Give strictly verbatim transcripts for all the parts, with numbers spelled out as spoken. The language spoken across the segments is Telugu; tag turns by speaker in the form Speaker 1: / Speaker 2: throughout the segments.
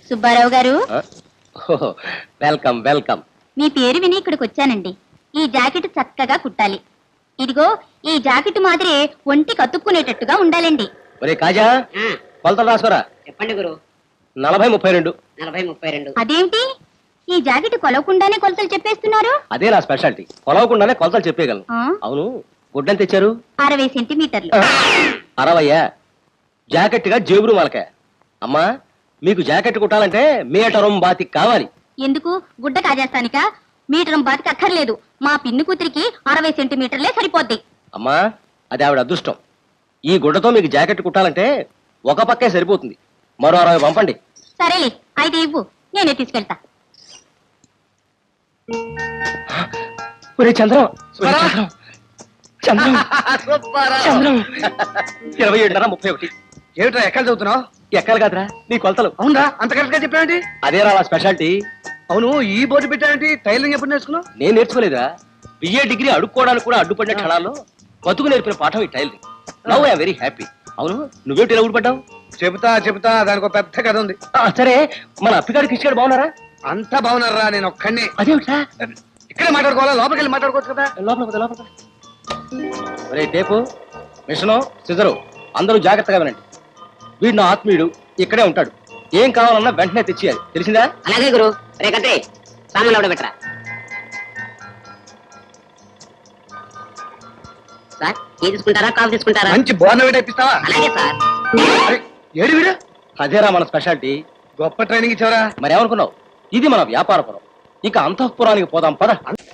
Speaker 1: సుబ్బారావు గారు,
Speaker 2: వెల్కమ్ వెల్కమ్.
Speaker 1: మీ పేరు విని ఇక్కడికి వచ్చానండి. ఈ జాకెట్ చక్కగా కుట్టాలి. ఇదిగో ఈ జాకెట్ మాదిరి ఒంటి కతుక్కునేటట్టుగా ఉండాలండి.
Speaker 2: ఒరే కాజా, కొలతలు రాసుకోరా.
Speaker 3: చెప్పండి గురు.
Speaker 2: నలభై ముప్పై రెండు.
Speaker 3: నలభై ముప్పై రెండు.
Speaker 1: అదేంటి ఈ జాకెట్ కొలవకుండానే కొలతలు చెప్పేస్తున్నారు?
Speaker 2: అదే నా స్పెషాలిటీ, కొలవకుండానే కొలతలు చెప్పేయగలను.
Speaker 1: ఆ?
Speaker 2: అవును, గుడ్డని తెచ్చారు?
Speaker 1: అరవై సెంటీమీటర్లు.
Speaker 2: అరవయ్యా? జాకెట్ గా జేబురు మలక. అమ్మా, మీకు జాకెట్ కుట్టాలంటే మీటరం బాతి కావాలి.
Speaker 1: ఎందుకు? గుడ్డ కాజేస్తానిక? మీటరం బాతికి అక్కర్లేదు. మా పిన్ని కూతురికి అరవై సెంటీమీటర్లే సరిపోద్ది.
Speaker 2: అమ్మా, అది ఆవిడ అదృష్టం. ఈ గుడ్డతో మీకు జాకెట్ కుట్టాలంటే ఒక పక్కే సరిపోతుంది. మరో అరవై పంపండి.
Speaker 1: సరేలే, అయితే ఇవ్వు, నేనే తీసుకెళ్తా.
Speaker 2: ఒరే చంద్రం, చంద్రం, చంద్రం, చంద్రం. ఇరవై ఏడున్నర ముప్పై ఒకటి.
Speaker 4: ఏమిట్రా ఎక్కడ చదువుతున్నావు?
Speaker 2: ఎక్కాలి కాదురా నీ కొలతలు.
Speaker 4: అవునరా, అంత కరెక్ట్ గా చెప్పావేంటి?
Speaker 2: అదేరా నా స్పెషాలిటీ.
Speaker 4: అవును, ఈ బోర్డు పెట్టావేంటి? టైలరింగ్ ఎప్పుడు నేర్చుకున్నావు?
Speaker 2: నేను నేర్చుకోలేదురా. బిఏ డిగ్రీ అడుక్కోవడానికి కూడా అడ్డుపడిన క్షణాల్లో బతుకు నేర్పిన పాఠం ఈ tailoring. Now I am very happy. అవును, నువ్వేంటి ఇలా ఊడిపడ్డావు?
Speaker 4: చెబుతా చెబుతా, దానికి ఒక పెద్ద కథ ఉంది.
Speaker 2: ఆ, సరే, మన అప్పిగాడు కిష్గాడు బాగున్నారా?
Speaker 4: అంతా బాగున్నారా? నేను ఒక్కడిని.
Speaker 2: అదేమిట్రా?
Speaker 4: ఇక్కడే మాట్లాడుకోవాలా? లోపలికి వెళ్ళి మాట్లాడుకోవచ్చు కదా.
Speaker 2: లోపల పద, లోపల పద. ఒరే టేపు, మిషను, సిజరు అందరూ జాగ్రత్తగా వినండి. వీడు నా ఆత్మీయుడు, ఇక్కడే ఉంటాడు. ఏం కావాలన్నా వెంటనే తెచ్చియాలి, తెలిసిందా?
Speaker 3: అలాగే గురు. రేకంటే సామాన్లు ఎవడ పెట్టరా సార్? టీ తీసుకుంటారా, కాఫీ తీసుకుంటారా?
Speaker 4: మంచి బోర్నవేట్ ఇప్పిస్తావా?
Speaker 3: అలాగే సార్.
Speaker 4: అరే, ఏడు వీడు
Speaker 2: అదేరా మన స్పెషాలిటీ.
Speaker 4: గొప్ప ట్రైనింగ్ ఇచ్చావరా.
Speaker 2: మరి ఏమనుకున్నావు? ఇది మన వ్యాపారపురం. ఇక అంతఃపురానికి పోదాం పద.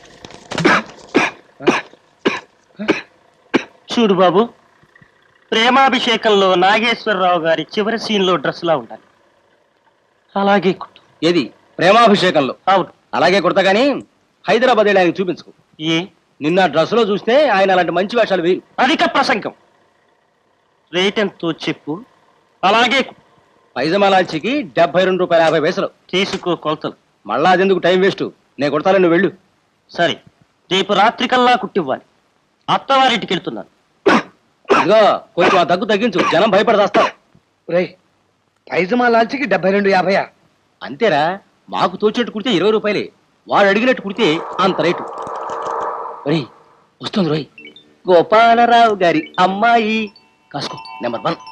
Speaker 5: చూడు బాబు, ప్రేమాభిషేకంలో నాగేశ్వరరావు గారి చివరి సీన్ లో డ్రెస్ లా ఉండాలి. అలాగే కుట్టు.
Speaker 2: ఏది ప్రేమాభిషేకంలో?
Speaker 5: అవును.
Speaker 2: అలాగే కుడతా గానీ హైదరాబాద్ వెళ్ళి ఆయన చూపించుకో.
Speaker 5: ఏ?
Speaker 2: నిన్న డ్రెస్ లో చూస్తే ఆయన అలాంటి మంచి వేషాలు వేరు.
Speaker 5: అధిక ప్రసంగం. రేట్ ఎంతో చెప్పు. అలాగే కుట్టు.
Speaker 2: పైజమాలాల్చికి డెబ్బై రెండు రూపాయల యాభై పైసలు.
Speaker 5: తీసుకో కొలతలు.
Speaker 2: మళ్ళా అదెందుకు టైం వేస్ట్, నేను కొడతాను, నువ్వు వెళ్ళు.
Speaker 5: సరే, రేపు రాత్రికల్లా కుట్టివ్వాలి. అత్తవారింటికి వెళ్తున్నాను.
Speaker 2: ఇదిగో కొంచెం ఆ దగ్గు తగ్గించు, జనం భయపడదాస్తారు.
Speaker 4: రై, పైజమా లాల్చికి డెబ్బై రెండు యాభై.
Speaker 2: అంతేరా, మాకు తోచినట్టు కుడితే ఇరవై రూపాయలే, వాడు అడిగినట్టు కుడితే అంత రేటు. ఒరేయ్, వస్తుంది రోయ్, గోపాలరావు గారి అమ్మాయి. కాసుకో, నెంబర్ వన్.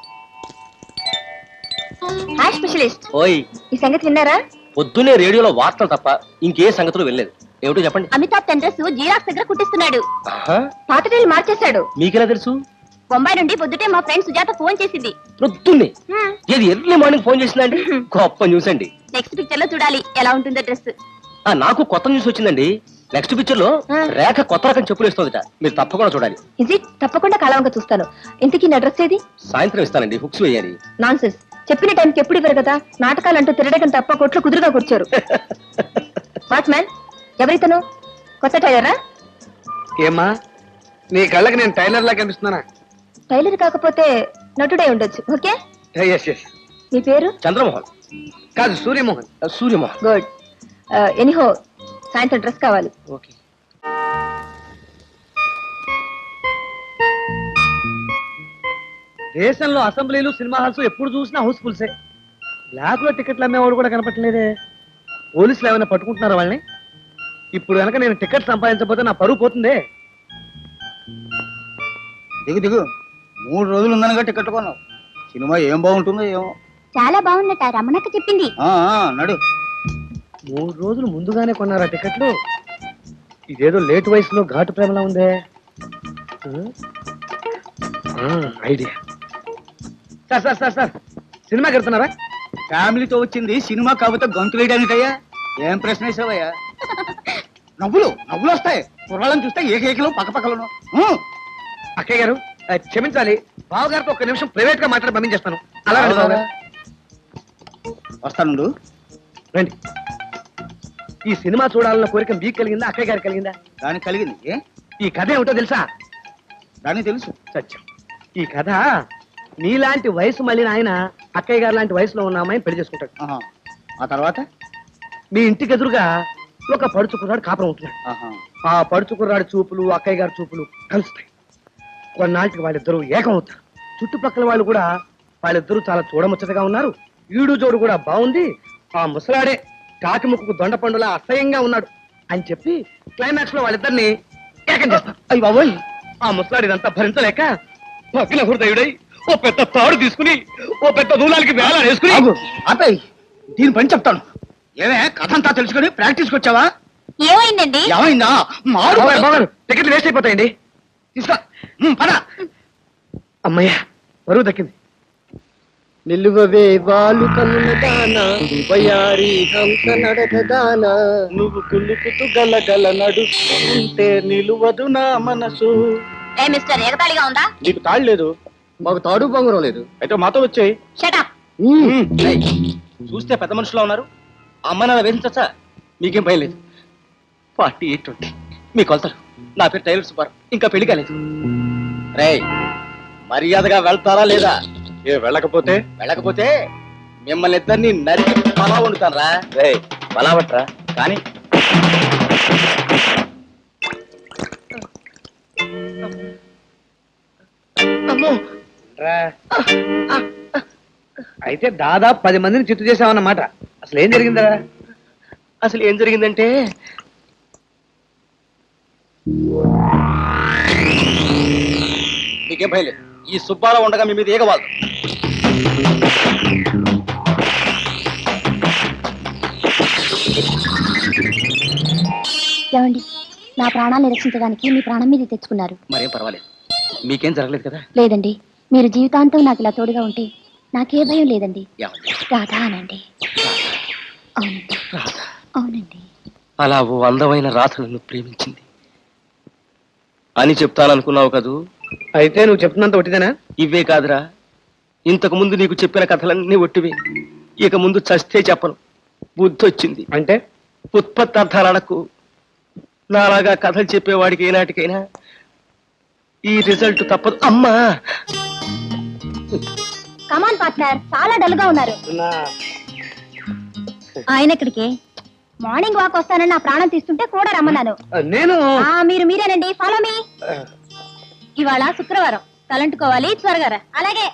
Speaker 1: హాయ్ స్పెషలిస్ట్,
Speaker 2: ఓయ్,
Speaker 1: ఈ సంగతి విన్నారా?
Speaker 2: పొద్దున్నే రేడియోలో వార్తలు తప్ప ఇంకే సంగతులు వెళ్ళలేదు. ఏమిటో చెప్పండి.
Speaker 1: అమితాబ్ తండ్రస్ జీరాక్స్ దగ్గర కుట్టిస్తున్నాడు.
Speaker 2: ఆహా,
Speaker 1: పాత రైలు మార్చేశాడు.
Speaker 2: మీకెలా తెలుసు?
Speaker 1: బొంబాయి నుండి పొద్దుటే మా ఫ్రెండ్ సుజాత ఫోన్ చేసింది.
Speaker 2: పొద్దున్నే? ఏది ఎర్లీ మార్నింగ్ ఫోన్ చేసిందండి? గొప్ప న్యూస్ అండి.
Speaker 1: నెక్స్ట్ పిక్చర్ లో చూడాలి ఎలా ఉంటుందో డ్రెస్.
Speaker 2: ఆ, నాకు కొత్త న్యూస్ వచ్చిందండి. నెక్స్ట్ పిక్చర్ లో రేఖ కొత్త రకం చెప్పులు ఇస్తుందట, మీరు తప్పకుండా చూడాలి.
Speaker 1: ఇది తప్పకుండా కలవంగా చూస్తాను. ఇంతకీ నా డ్రెస్ ఏది?
Speaker 2: సాయంత్రం ఇస్తానండి, హుక్స్ వేయాలి.
Speaker 1: నాన్సెన్స్, చెప్పిన టైంకి ఎప్పుడు ఇవ్వరు కదా. నాటకాలు అంటూ తిరగడం తప్ప కొట్లు కుదురుగా కూర్చోరు. వాచ్మ్యాన్, ఎవరితను? కొత్త టైలరా?
Speaker 4: ఏమ్మా, నీ కళ్ళకి నేను టైలర్ లా కనిపిస్తున్నానా?
Speaker 1: టైలర్ కాకపోతే నటుడై ఉండొచ్చు. Okay,
Speaker 4: yes yes.
Speaker 1: మీ పేరు?
Speaker 2: చంద్రమోహన్.
Speaker 4: కాదు, సూర్యమోహన్.
Speaker 2: సూర్యమోహన్.
Speaker 1: గుడ్. ఎనీహో, సాయంత్రం డ్రెస్ కావాలి.
Speaker 2: ఓకే.
Speaker 4: దేశంలో అసెంబ్లీలు, సినిమా హాల్స్ ఎప్పుడు చూసినా హౌస్ఫుల్సే. బ్లాక్ లో టికెట్లు అమ్మేవాడు కూడా కనపట్లేదే. పోలీసులు ఏమైనా పట్టుకుంటున్నారా వాళ్ళని? ఇప్పుడు కనుక నేను టికెట్ సంపాదించకపోతే నా పరువు పోతుందే.
Speaker 6: దిగు దిగు, మూడు రోజులు ఉందనగా టికెట్ కొన్నావు. సినిమా ఏం బాగుంటుందో ఏమో.
Speaker 1: చాలా బాగుందట, రమణక్క చెప్పింది.
Speaker 6: ఆ, ఆ, నడు.
Speaker 4: మూడు రోజులు ముందుగానే కొన్నారా టికెట్లు? ఇదేదో లేట్ వయసులో ఘాటు ప్రేమలా ఉందే. Idea. Sir sir sir sir సినిమాకి వెళ్తున్నారా?
Speaker 6: ఫ్యామిలీతో వచ్చింది సినిమా కాకపోతే గొంతు వేయడానికయ్యా. ఏం ప్రశ్న వేసావయ్యా? నవ్వులు నవ్వులు వస్తాయి. కుర్రాళ్ళని చూస్తే ఏకేకలు పక్కపక్కలను.
Speaker 4: అక్కయ్య గారు, ఆ, క్షమించాలి, బావగారితో ఒక నిమిషం ప్రైవేట్ గా మాట్లాడి పంపించేస్తాను. అలా రండి బావగారు.
Speaker 6: వస్తాను.
Speaker 4: రండి. ఈ సినిమా చూడాలన్న కోరిక మీకు కలిగిందా, అక్కయ్య గారికి కలిగిందా?
Speaker 6: దానికి కలిగింది. ఏ
Speaker 4: ఈ కథ ఏమిటో తెలుసా?
Speaker 6: దానికి తెలుసు.
Speaker 4: సత్యం, ఈ కథ మీలాంటి వయసు మళ్ళీ ఆయన అక్కయ్య గారు లాంటి వయసులో ఉన్న అమ్మాయిని పెళ్లి చేసుకుంటాడు.
Speaker 6: ఆహా. ఆ తర్వాత
Speaker 4: మీ ఇంటికి ఎదురుగా ఒక పడుచు కుర్రాడు కాపురం ఉంటున్నాడు.
Speaker 6: ఆహా.
Speaker 4: ఆ పడుచు కుర్రాడు చూపులు అక్కయ్య గారి చూపులు కలుస్తాయి. కొన్నాళ్ళకి వాళ్ళిద్దరూ ఏకం అవుతారు. చుట్టుపక్కల వాళ్ళు కూడా వాళ్ళిద్దరూ చాలా చూడముచ్చటగా ఉన్నారు, ఈడు జోడు కూడా బాగుంది, ఆ ముసలాడే కాకి ముక్కుకు దొండ పండులా అసహ్యంగా ఉన్నాడు అని చెప్పి క్లైమాక్స్ లో వాళ్ళిద్దరిని ఏకం చేస్తారు. అయ్యి బాబోయ్, ఆ ముసలాడి ఇదంతా భరించలేక పక్కన హృదయుడై ఓ పెద్ద తాడు తీసుకుని ఓ పెద్ద దూలాలకి వేళ వేసుకుని
Speaker 6: ఆపేయ్, దీని పని చెప్తాను. ఏమే కథ అంతా తెలుసుకుని ప్రాక్టీస్కి వచ్చావా?
Speaker 1: ఏమైందండి?
Speaker 6: ఏమైందా? మారు
Speaker 4: బావగారు, బావగారు, టికెట్లు వేస్ట్ అయిపోతాయండి.
Speaker 6: తీసుకో. ఉమ్, పద.
Speaker 4: అమ్మయ్య, బరువు దక్కింది. నిలువవే వాలు కన్నుల దాన వయారి హంస నడక దాన నువ్వు కులుకుతూ గలగల నడుస్తుంటే నిలువదు నా మనసు.
Speaker 1: ఏ మిస్టర్ ఎగతాళిగా ఉందా?
Speaker 4: నీకు తాడు లేదు, మాకు తాడు బొంగరం లేదు. అయితే మాతో వచ్చాయి.
Speaker 1: షటప్.
Speaker 2: ఏయ్, చూస్తే పెద్ద మనుషులా ఉన్నారు. అమ్మ నాన్న వేధించచ్చా? మీకేం భయం లేదు. ఫార్టీ ఎయిట్ ట్వంటీ మీ కొలతలు. నా పేరు టైలర్ సుబ్బారావు, ఇంకా పెళ్లి కాలేదు. రేయ్, మర్యాదగా వెళ్తారా లేదా?
Speaker 4: ఏ వెళ్ళకపోతే
Speaker 2: వెళ్ళకపోతే మిమ్మల్ని ఇద్దరిని నరికి పలా వండుతాను రా. రే పలావట్రా కానీ
Speaker 4: రా. అయితే దాదాపు పది మందిని చిత్తు చేసామన్నమాట. అసలు ఏం జరిగిందా?
Speaker 2: అసలు ఏం జరిగిందంటే మీకేం భయం లేదు. ఈ సుబ్బారావు ఉండగా మీ మీద ఏగవాళ్ళు.
Speaker 1: ఏమండి, నా ప్రాణాన్ని రక్షించడానికి మీ ప్రాణం మీద తెచ్చుకున్నారు.
Speaker 2: మరేం పర్వాలేదు, మీకేం జరగలేదు కదా?
Speaker 1: లేదండి, మీరు జీవితాంతం నాకు ఇలా తోడుగా ఉంటే నాకే భయం లేదండి.
Speaker 2: ఏమండి?
Speaker 1: రాధా అనండి. అవునండి, అవునండి.
Speaker 2: అలా ఓ అందమైన రాధలను ప్రేమించింది అని చెప్తాననుకున్నావు కదూ?
Speaker 4: అయితే నువ్వు చెప్తున్నంత ఒట్టిదేనా?
Speaker 2: ఇవే కాదురా, ఇంతకు ముందు నీకు చెప్పిన కథలన్నీ ఒట్టివే. ఇక ముందు చస్తే చెప్పను. బుద్ధి వచ్చింది
Speaker 4: అంటే
Speaker 2: ఉత్పత్తి అర్థాలు అడకు. నాలాగా కథలు చెప్పేవాడికి ఏనాటికైనా ఈ రిజల్ట్ తప్పదు. అమ్మా,
Speaker 1: కమాన్ పార్ట్నర్, చాలా డల్ గా ఉన్నారు. ఆయన ఇక్కడికి మార్నింగ్ వాక్ వస్తానని నా ప్రాణం తీస్తుంటే కూడా రమ్మన్నాను.
Speaker 4: నేను
Speaker 1: ఆ, మీరు మీరేనండి. Follow me. ఇవాళ శుక్రవారం, తలంటుకోవాలి. త్వరగా రా. అలాగే.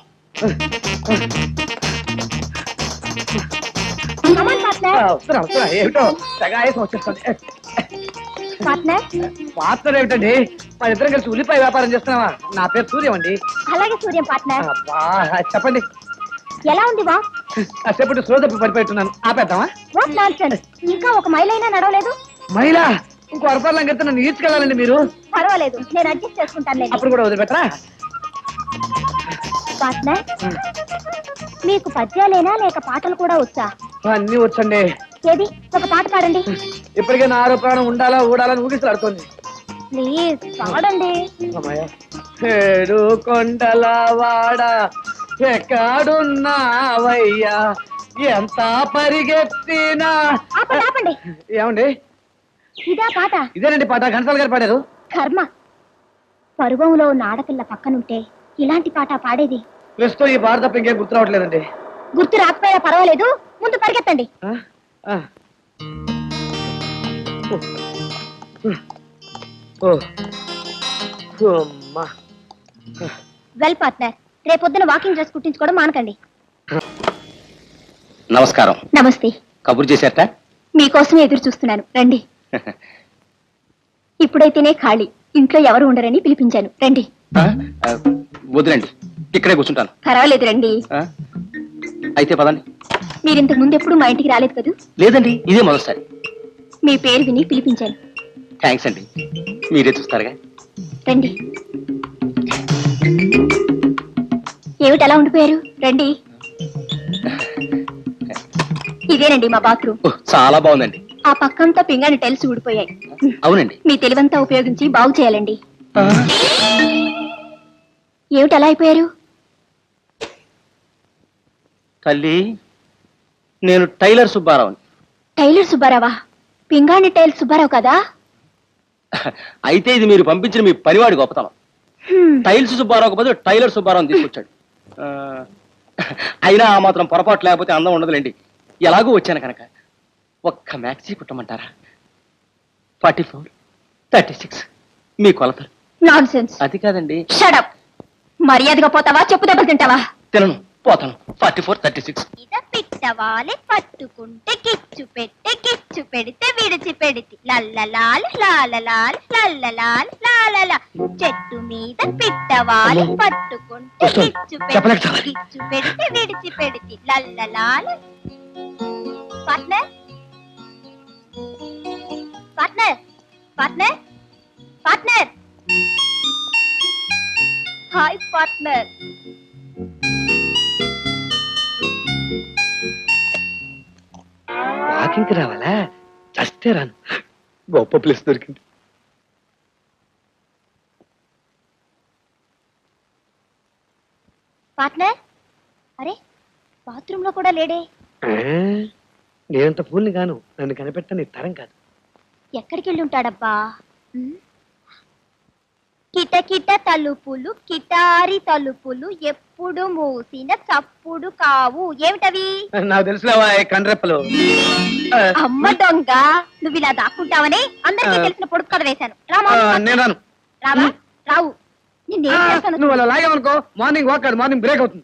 Speaker 1: Come on partner.
Speaker 4: వస్తున్నా వస్తున్నా. ఏమిటో తెగ ఆయాసం వచ్చేస్తుంది.
Speaker 1: పార్ట్నర్.
Speaker 4: పాత్ర ఏమిటండి? మా ఇద్దరం కలిసి ఉల్లిపాయ వ్యాపారం చేస్తున్నావా? నా పేరు సూర్యం అండి.
Speaker 1: అలాగే సూర్యం పార్ట్నర్.
Speaker 4: అబ్బా, చెప్పండి.
Speaker 1: ఎలా ఉంది వాక్?
Speaker 4: కాసేపటి సోదప్పు పడిపోతున్నాను. ఆపేద్దామా?
Speaker 1: What nonsense. ఇంకా ఒక మైల్ అయినా నడవలేదు.
Speaker 4: మహిళ ఇంకో అరపాలను కడితే నన్ను ఈడ్చుకెళ్ళాలండి మీరు.
Speaker 1: పర్వాలేదు, నేను అడ్జస్ట్ చేసుకుంటాను.
Speaker 4: అప్పుడు కూడా వదిలిపెట్టరా?
Speaker 1: పార్ట్నర్, మీకు పద్యాలేనా లేక పాటలు కూడా వచ్చా?
Speaker 4: అన్ని వచ్చండి.
Speaker 1: ఏది, ఒక పాట పాడండి.
Speaker 4: ఇప్పటికే నా ఆరో ప్రాణం ఉండాలా ఊడాలని ఊగిసలాడుతోంది.
Speaker 1: ప్లీజ్ పాడండి.
Speaker 4: ఏడు కొండల వాడ ఎక్కడున్నావయ్యా, ఎంత పరిగెత్తినా.
Speaker 1: ఆపండి ఆపండి.
Speaker 4: ఏమండి?
Speaker 1: ఇదా పాట?
Speaker 4: ఇదేనండి పాట. ఘంటసాల గారు పాడారు.
Speaker 1: కర్మ, పరువంలో ఉన్న ఆడపిల్ల పక్కనుంటే ఇలాంటి పాట పాడేది.
Speaker 4: ప్రస్తుతం ఈ పాట తప్ప ఇంకేం గుర్తు రావట్లేదండి.
Speaker 1: గుర్తు రాకపోయినా పర్వాలేదు, ముందు పరిగెత్తండి.
Speaker 4: ఆ? ఆ. ఓ. ఓ. అమ్మా.
Speaker 1: వెల్ పార్ట్నర్, రేపొద్దున వాకింగ్ డ్రెస్ కుట్టించుకోవడం మానకండి.
Speaker 2: నమస్కారం.
Speaker 1: నమస్తే.
Speaker 2: కబురు చేశారట?
Speaker 1: మీకోసమే ఎదురు చూస్తున్నాను, రండి. ఇప్పుడైతేనే ఖాళీ, ఇంట్లో ఎవరు ఉండరని పిలిపించాను, రండి.
Speaker 2: ఆ? ఆ, వదిలేండి, ఇక్కడే కూర్చుంటాను.
Speaker 1: పర్వాలేదు, రండి.
Speaker 2: ఆ? అయితే పదండి.
Speaker 1: మీరు ఇంతకు ముందు ఎప్పుడు మా ఇంటికి రాలేదు కదూ?
Speaker 2: లేదండి, ఇదే మొదటిసారి.
Speaker 1: మీ పేరు విని పిలిపించాను.
Speaker 2: థ్యాంక్స్ అండి, మీరే చూస్తారుగా.
Speaker 1: రండి. ఏమిటి అలా ఉండిపోయారు? రండి. ఇదేనండి మా బాత్రూమ్.
Speaker 2: ఓహ్, చాలా బాగుందండి.
Speaker 1: ఆ పక్కంతా పింగాణి టైల్స్ ఊడిపోయాయి.
Speaker 2: అవునండి.
Speaker 1: మీ తెలివంతా ఉపయోగించి బాగు చేయాలండి. ఏమిటి అలా అయిపోయారు?
Speaker 2: తల్లి, నేను టైలర్ సుబ్బారావు.
Speaker 1: టైలర్ సుబ్బారావా? పింగాణి టైల్స్ సుబ్బారావు కదా?
Speaker 2: అయితే ఇది మీరు పంపించిన మీ పనివాడి గొప్పతనం.
Speaker 1: హ్మ్.
Speaker 2: టైల్స్ సుబ్బారావు బదులు టైలర్ సుబ్బారావు తీసుకొచ్చాడు. ఆ, అయినా ఆ మాత్రం పొరపాటు లేకపోతే అందం ఉండదులేండి. ఎలాగూ వచ్చాను కనుక ఒక్క మ్యాక్సీ కుట్టమంటారా? ఫార్టీ ఫోర్ థర్టీ సిక్స్ మీ కొలతలు.
Speaker 1: నాన్సెన్స్.
Speaker 2: అది కాదండి.
Speaker 1: షడప్. మర్యాదగా పోతావా, చెప్పు దెబ్బలు తింటావా?
Speaker 2: తినను, పోతాను. ఫార్టీ ఫోర్ థర్టీ సిక్స్
Speaker 1: ఇదా పిక్.
Speaker 7: పిట్టవాలి పట్టుకుంటే కిచ్చు పెట్టే కిచ్చు పెడితే విడిచి పెడితి లల్లలాల్ లాలలాల్ లల్లలాల్ లాలల చెట్టు మీద పిట్టవాలి
Speaker 4: అమ్మో.
Speaker 7: పట్టుకుంటే
Speaker 4: వస్తుంది.
Speaker 7: కిచ్చు
Speaker 4: చెప్పలేక
Speaker 7: పెడితే
Speaker 4: చావాలి.
Speaker 7: కిచ్చు పెడితే విడిచి పెడితి లల్లలాల్ partner partner partner partner hi partner
Speaker 4: వాకింగ్కి రావాలా చస్తే రాను గొప్ప ప్లేస్ దొరికింది.
Speaker 7: పార్ట్నర్ అరే బాత్రూమ్ లో కూడా లేడే
Speaker 4: ఆ, నేనంత పూల్ని గాను నన్ను కనిపెట్టని తరం కాదు.
Speaker 7: ఎక్కడికి వెళ్ళి ఉంటాడబ్బా ఉమ్? కిటకిట తలుపులు కిటారి తలుపులు ఎప్పుడు మూసిన చప్పుడు కావు ఏమిటవి
Speaker 4: నాకు తెలుసులేవా కండ్రెప్పలు. ఆ,
Speaker 7: అమ్మ దొంగ నువ్వు ఇలా దాక్కుంటావని అందరికీ
Speaker 4: ఆ.
Speaker 7: తెలిసిన పొడుపు కథ వేశాను రామా
Speaker 4: ఆ, నేను రాను.
Speaker 7: రావా రావు నిన్నేం
Speaker 4: ఆ,
Speaker 7: చేస్తాను
Speaker 4: నువ్వు అలా లాగావనుకో మార్నింగ్ వాక్ కాదు మార్నింగ్ బ్రేక్ అవుతుంది.